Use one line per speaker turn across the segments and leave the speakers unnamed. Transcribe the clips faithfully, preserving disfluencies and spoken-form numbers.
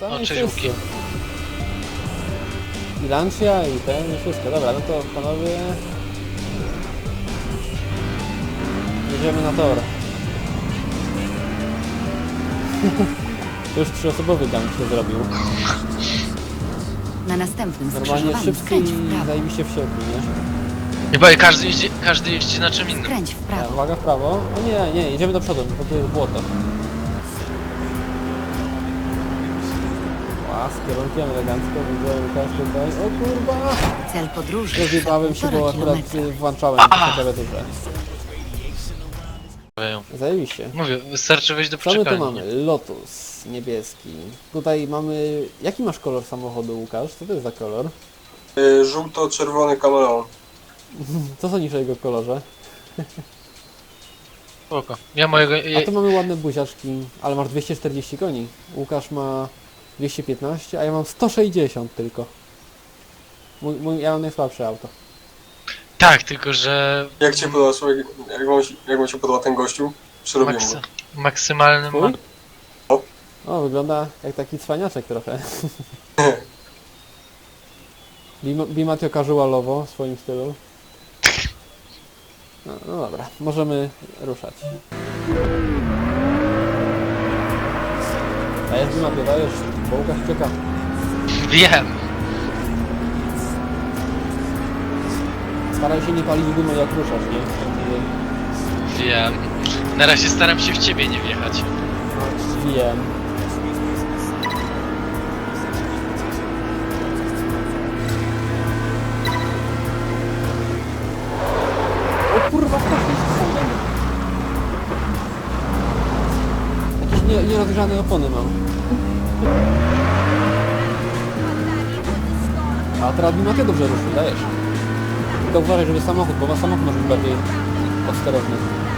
Same
O,
i
cześć,
wszyscy.
Łuki.
I Lancia, i ten, i wszystko. Dobra, no to panowie... Jedziemy na tor. To już trzyosobowy gang się zrobił.
Na następnym
Normalnie
skrzyżowaniu
szybcy
skręć
i
w prawo.
zajebiście wsiedli, nie?
Chyba każdy jeździ, każdy jeździ na czym innym.
Skręć w
Ja,
prawo.
uwaga w prawo. O nie, nie, jedziemy do przodu, bo tu jest błoto. Ła, z kierunkiem elegancko, widzę Łukasz tutaj. O kurwa!
Cel podróży.
Rozjebałem się, bo
półtora
akurat
kilometra.
y, włączałem klawiaturę. Zajebiście.
Mówię, wystarczy wejść do
Co my tu
przyczepalni.
mamy? Lotus niebieski. Tutaj mamy... Jaki masz kolor samochodu, Łukasz? Co to jest za kolor?
Y, żółto-czerwony kameleon.
Co sądzisz o jego kolorze?
Spoko. Ja mojego...
A tu mamy ładne buziaczki, ale masz dwieście czterdzieści koni. Łukasz ma dwieście piętnaście, a ja mam sto sześćdziesiąt tylko. Mój, mój, ja mam najsłabsze auto.
Tak, tylko że...
Jak cię podoba, słuchaj, jak wam, się- jak wam się podoba ten gościu? Przerobiłem
Maksy...
go.
Maksymalny ma...
Twój? O, wygląda jak taki cwaniaczek trochę. Bim- Bimatio casualowo w swoim stylu. No, no dobra, możemy ruszać. Dajesz Bimatio, dajesz, bo Łukasz czeka.
Wiem!
Staraj się nie palić gumy jak ruszasz, nie? Wtedy-
Wiem. Na razie staram się w ciebie nie wjechać.
No, wiem. O kurwa, jakieś nie, nierozgrzane opony mam. A teraz Bimatio dobrze ruszył, dajesz. Tylko uważaj, żeby samochód, bo samochód może być bardziej podsterowny.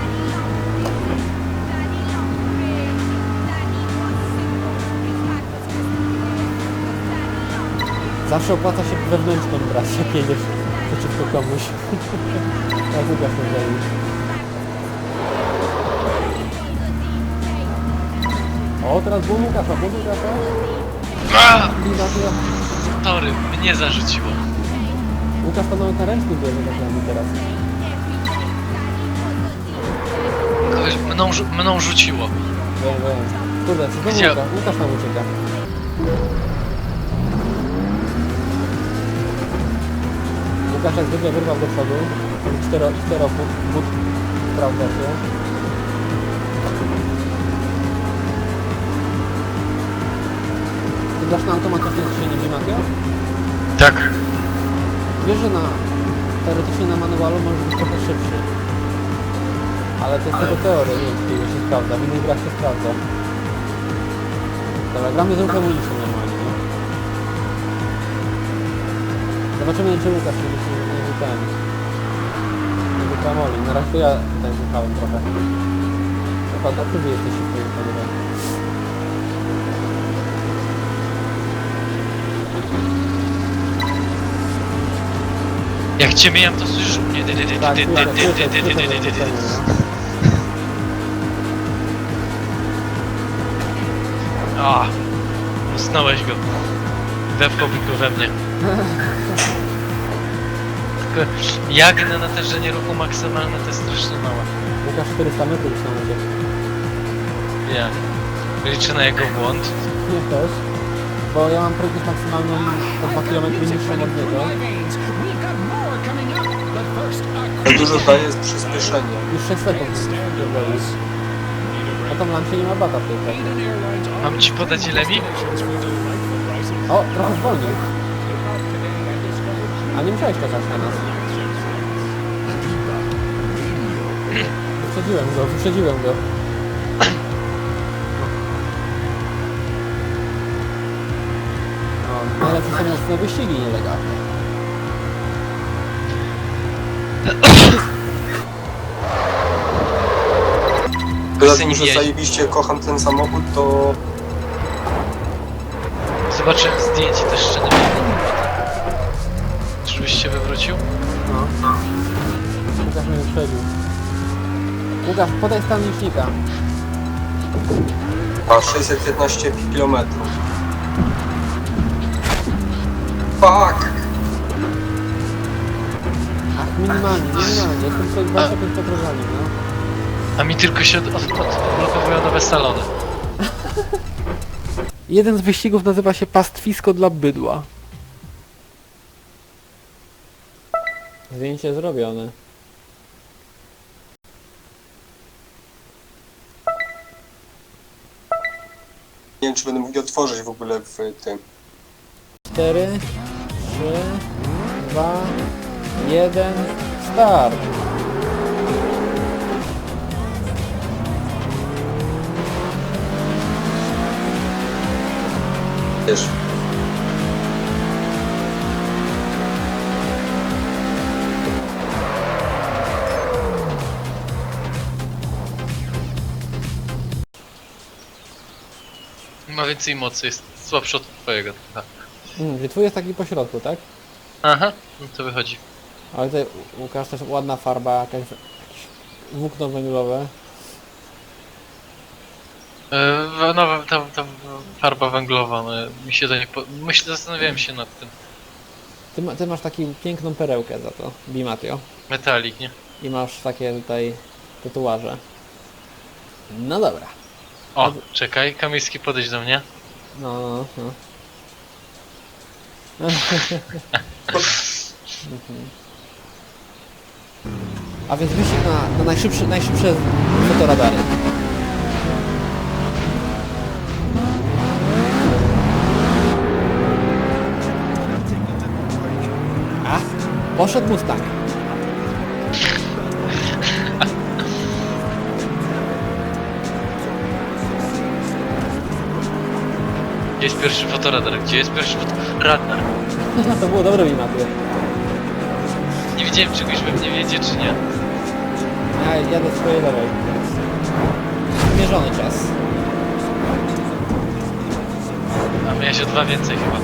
Zawsze opłaca się wewnętrzną brać, jak jedziesz przeciwko komuś. Jak Łukasz to zrobił. O, teraz był Łukasza, był Łukasza.
A!
Bimatio.
Tory, mnie zarzuciło.
Łukasz to nawet na ręczny bierze tak jakby teraz.
Kogoś mną, rzu- mną rzuciło.
Wiem, wiem. Kurde, co znowu
Gdzie?
Łukasz? Łukasz nam ucieka. Łukasz jak zwykle wyrwał do przodu. Cztero, cztero but, but sprawdza się. Ty dasz na automatyczne skrzynie Bimatio?
Tak.
Wiesz, że na teoretycznie na manualu może być trochę szybszy. Ale to jest tylko teoria, nie wiem, czy to się sprawdza. W innych grach się sprawdza. Dobra, gramy z ruchem ulicznym normalnie, nie? Zobaczymy, czy Łukasz nie nie nie nie ten. Nie wykramoli. Na razie to ja tutaj wychałem trochę. Chyba dobrze, że jesteś szybko panowie.
Jak cię mijam, to słyszysz mnie. Dy, dy, dy,
Tak,
dy, dy,
słyszę,
dy,
słyszę,
dy, dy, dy,
słyszę
dy, dy, dy.
zaskoczenie, no.
A, usnąłeś go. Wepchałby go we mnie. Tylko jagnę na natężenie ruchu maksymalne to jest strasznie małe.
Łukasz czterysta metrów już na udzie.
Ja. Liczę na jego błąd.
Nie też. Bo ja mam prędkość maksymalną o dwa kilometry niższą od niego.
Ale dużo daje jest przyspieszenie.
Już sześć sekund pierdolisz. A tam Lancia nie ma bata w tej pracy.
Mam ci podać ile mi?
O, trochę zwolnił. A nie musiałeś czekać na nas. Wyprzedziłem go, wyprzedziłem go. No, najlepsze są mocne wyścigi nielegalne.
Poza
Chcę
tym,
nim
że
jeździć.
zajebiście kocham ten samochód, to
Zobaczyłem zdjęcie też jeszcze nie wiem. Czyżbyś się wywrócił?
No. Łukasz mnie wyprzedził. Łukasz, podaj stan licznika.
ma sześćset piętnaście kilometrów. Fuck!
Ach, minimalnie, minimalnie. Tylko dwadzieścia pięć podróżami, no.
A mi tylko się od, od, odblokowują nowe salony.
Jeden z wyścigów nazywa się Pastwisko dla bydła. Zdjęcie zrobione.
Nie wiem, czy będę mógł je otworzyć w ogóle w tym.
cztery, trzy, dwa, jeden, start!
Wiesz.
Ma więcej mocy, jest słabszy od twojego. Aha.
Mm, że twój jest taki po środku, tak?
Aha, no to wychodzi.
Ale tutaj Łukasz też ładna farba, jakaś, jakieś włókno węglowe.
Yy, nowa ta, ta farba węglowa, no, mi się to nie po... Myślę, zastanawiałem się nad tym.
Ty, ma, ty masz taką piękną perełkę za to, Bimatio.
Metalik, nie?
I masz takie tutaj tatuaże. No dobra.
O, czekaj, Kamiński, podejdź do mnie.
No, no, no. Mhm. A więc wyścig na, na najszybszy, najszybsze fotoradary. A, poszedł Mustang.
Gdzie jest pierwszy fotoradar? Gdzie jest pierwszy fotoradar?
To było dobre Bimatio.
Nie wiedziałem, czegoś we mnie wiedzie, czy nie.
Ja jadę swojej lewej. Zmierzony czas.
A miałeś o dwa więcej chyba.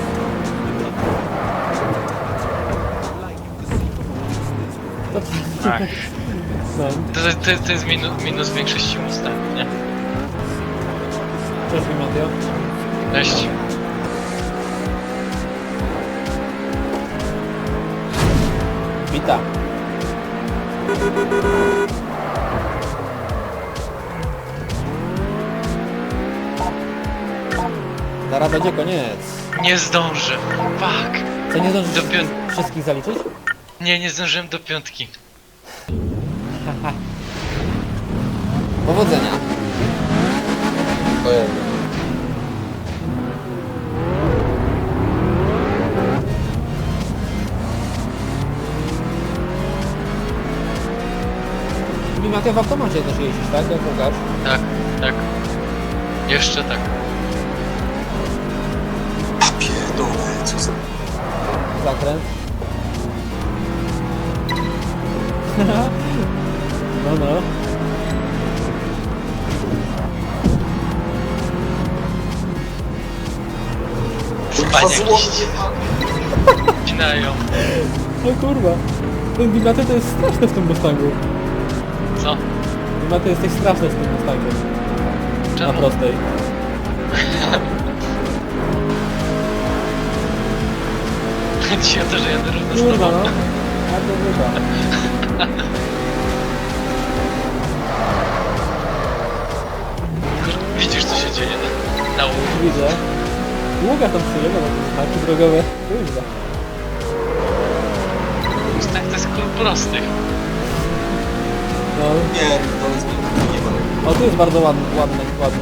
To,
Ach,
no,
to, to, to jest minus, minus większości Mustangów, nie?
cześć Bimatio.
Cześć.
Witam. Zaraz będzie koniec.
Nie zdążę. Fuck.
Co, nie zdążysz
Do pią-
wszystkich zaliczyć?
Nie, nie zdążyłem do piątki.
Powodzenia.
Ojej.
Bimatio w automacie też jeździsz, tak? Jak Łukasz?
Tak, tak. Jeszcze tak.
A pierdolę, co za...
Zakręt. No, no.
Spaniaki ścinają.
O kurwa. Ten Bimatio to jest straszne w tym Mustangu.
Co?
Bimatio jesteś straszny z tym Mustangiem. Na
Czemu?
prostej.
Chodzi o to, że jadę równo z
Kurwa
tobą.
no. Bardzo chyba.
Widzisz, co się dzieje na łóg.
Widzę. Łukasz tam przyjechał, bo to są znaki drogowe. Kurwa.
Mustang to jest klub prostych.
No.
Nie, to jest nie ma.
O, tu jest bardzo ładny, ładny, ładnie.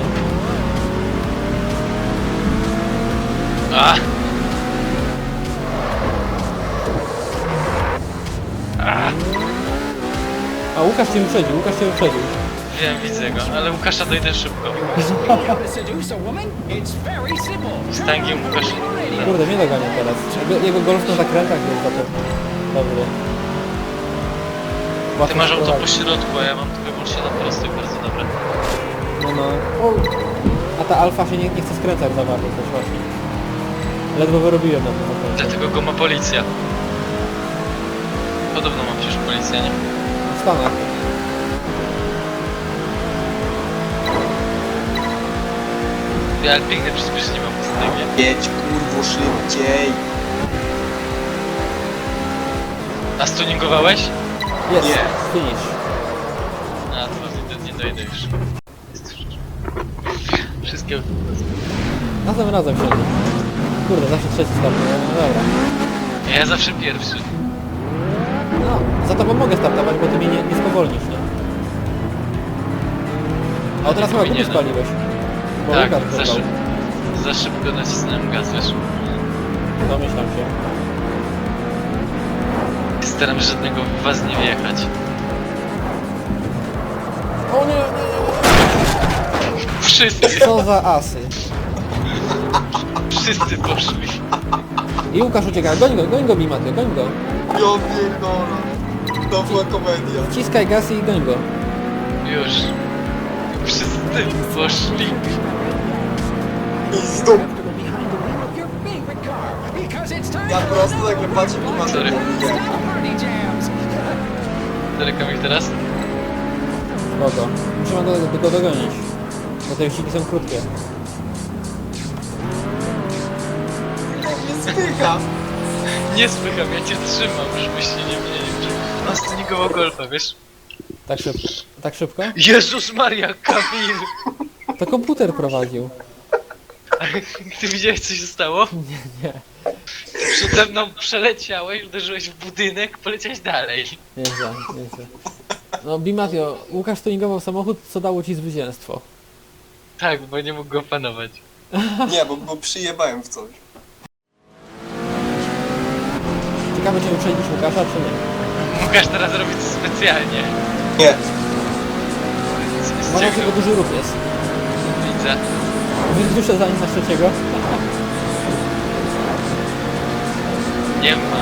A! A!
A Łukasz cię wyprzedził, Łukasz cię wyprzedził.
Wiem, widzę go, ale Łukasza dojdę szybko. Mustangiem Łukasz.
Kurde, mnie dogania teraz. Jego, jego golf na zakrętach jest za to dobry.
Ty
Łatwo
masz auto po
sprowadzić.
środku, a ja mam tylko wyłącznie na prostych, bardzo dobre.
No, no. A ta alfa się nie, nie chce skręcać za bardzo też właśnie. Ledwo wyrobiłem na tym zakręcie.
Dlatego go ma policja. Podobno ma przecież policja, nie?
W Stanach.
Ja piękne przyspieszenie mam. biegnie.
Jedź kurwo szybciej.
A stuningowałeś?
Jest,
Nie.
finish.
A, to nie, nie dojdę już. Wszystkie...
Razem, razem siedzi. Kurde, zawsze trzeci start. No dobra.
Ja zawsze pierwszy.
No, za tobą mogę startować, bo ty mnie nie, nie spowolnisz, nie? A teraz chyba gumy
powinienem.
spaliłeś. Bo
Tak,
Łukasz
za,
wybrał.
szyb... za szybko nacisnąłem gaz, wiesz.
Domyślam się.
Staram się żadnego w was nie wjechać.
O nie, nie,
Wszyscy,
nie. Co za asy.
wszyscy poszli.
I Łukasz ucieka. Goń go, goń go, Bimaty, goń go.
Ja pierdolę. To była komedia.
Wciskaj gaz i goń go.
Już. Wszyscy poszli.
I znów. Ja prosto nagle patrzę i mam
Sorry.
nie.
Daleko mi teraz?
Spoko. Musimy go, do, go dogonić. Bo te wyścigi są krótkie.
Nie spycha.
Nie spycham, ja cię trzymam, żebyś się nie mieli. On stunigował golfa, wiesz?
Tak szybko. Tak szybko?
Jezus Maria, Kamil!
To komputer prowadził.
Ty widziałeś, co się stało?
Nie.
Przede mną przeleciałeś, uderzyłeś w budynek, poleciałeś dalej.
Nieźle, nieźle. No Bimatio, Łukasz tuningował samochód, co dało ci zwycięstwo.
Tak, bo nie mógł go opanować.
Nie, bo, bo przyjebałem w coś.
Ciekawe, czy uprzedzisz Łukasza, czy nie.
Łukasz teraz robi to specjalnie.
Nie.
Z- z
Uważaj,
czego?
że duży ruch jest.
Widzę.
Wyduszę za nim na trzeciego.
Nie ma.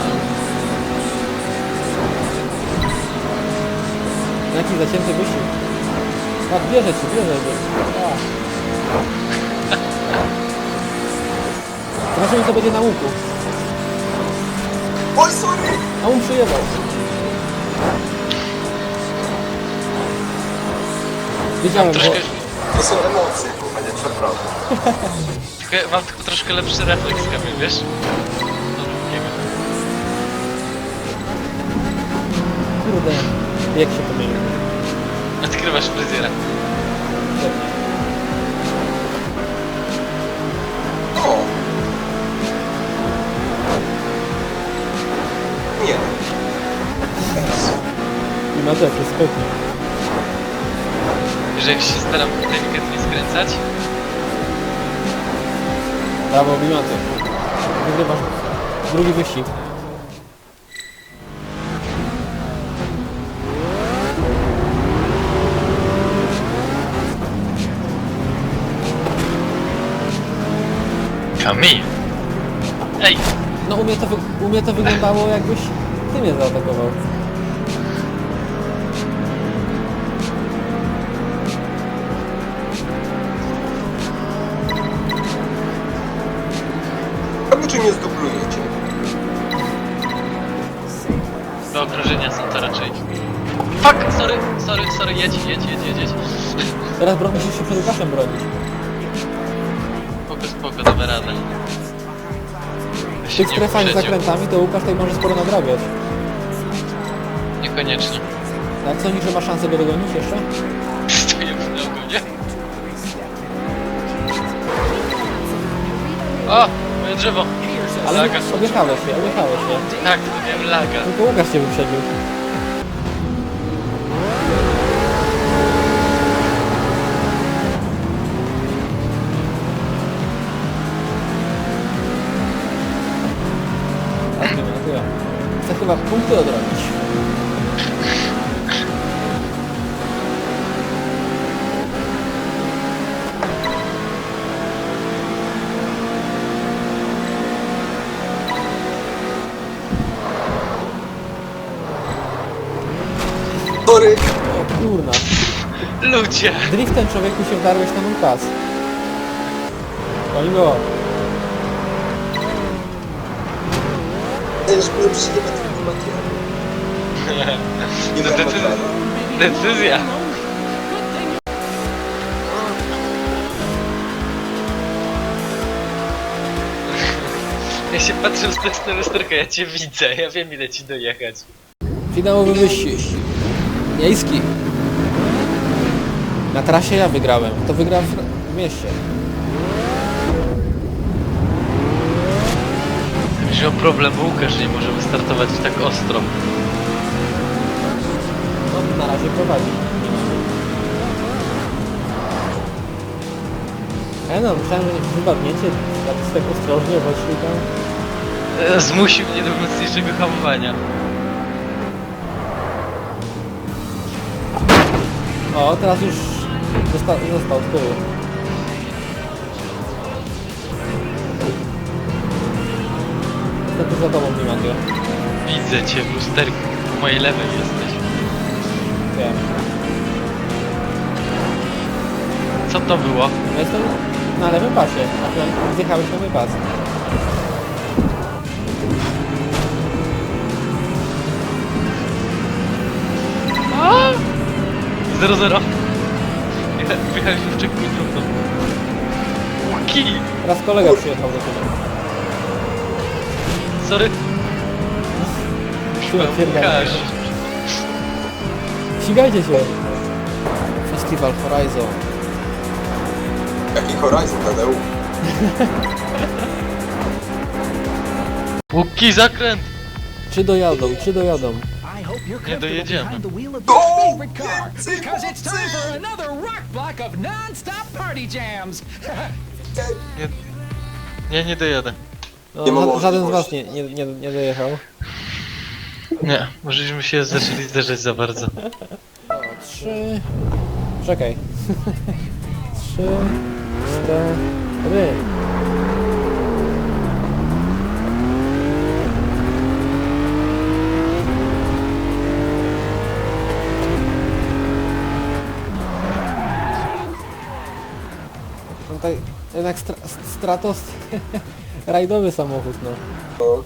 Jaki zacięty wysiłek. Tak, bierze ci, bierze cię. Zobaczymy, co będzie na łuku.
Oj, sorry.
A on przyjechał. Wiedziałem, bo...
Troszkę,
To są emocje, kurwa, nie przepraszam.
tylko, mam tylko troszkę lepszy refleks, Kamil, wiesz? No, nie wiem.
Kurde, jak się pomylił.
Odkrywasz fryzjera.
O. Nie.
I ma też, jest pewnie.
Że jak się staram delikatnie skręcać,
Brawo, Bimaty. Wygrywasz drugi wyścig.
Kamil! Ej!
No u mnie to, wy... u mnie to wyglądało, jakbyś ty mnie zaatakował.
Albo czy nie zdublujecie?
Do okrążenia są to raczej. Fuck! Sorry, sorry, sorry, jedź, jedź, jedź, jedź, jedź.
Teraz bro... musisz się przed Łukaszem bronić.
Spoko, spoko, damy radę.
W tych strefach z zakrętami to Łukasz tutaj może sporo nadrabiać.
Niekoniecznie.
Jak sądzisz, że ma szansę go dogonić jeszcze?
Stoję w ogonie. O! Moje drzewo!
Ale
Laga.
objechałeś się, objechałeś się.
Tak, to miałem laga.
Tylko Łukasz cię wyprzedził. Tak, nie ma, to ja. Chcę chyba punkty odrobić.
Sorry.
O kurna.
Ludzie!
Driftem człowieku się wdarłeś na mój pas. Oni go.
Ja już byłem przyjebać tego materiału. Nie
To
wiem,
decyzja. Decyzja. Ja się patrzę z testu lusterka, ja cię widzę, ja wiem ile ci dojechać.
Finałowy wyścig. Miejski. Na trasie ja wygrałem. To wygrał w, w mieście.
Wziął problem Łukasz, że nie może wystartować tak ostro.
No, na razie prowadzi. Ja no, myślałem, że wypadniecie tak, tak ostrożnie, weszli tam.
E, Zmusił mnie do mocniejszego hamowania.
O, teraz już został, został z tyłu. Jestem tu za tobą, Dimandio.
Widzę cię w lusterku, po mojej lewej jesteś.
Wiem.
Co to było?
Ja jestem na lewym pasie, a ty zjechałeś na lewy pas.
zero zero. Wjechaliśmy w checkpoint równo. Łuki!
Teraz kolega przyjechał do ciebie.
Sorry.
Chyba
Łukasz.
Ścigajcie się! Festival Horizon.
Jaki Horizon, Tadeu?
Łuki, zakręt!
Czy dojadą, czy dojadą?
I hope you're
Nie
comfortable
dojedziemy.
behind the wheel of
Go!
your favorite car,
Więcej
because it's time
mocy!
for another rock block of non-stop party jams.
Nie, nie, nie dojadę.
No,
Nie ma
ża- żaden z was
możliwości.
nie, nie, nie, nie dojechał.
Nie, możeśmy się zaczęli zderzać za bardzo.
O, trzy... Czekaj. Trzy... Cztery... No tak, jednak stra Stratos... rajdowy samochód, no.
No.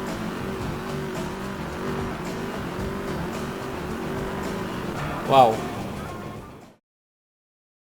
Wow.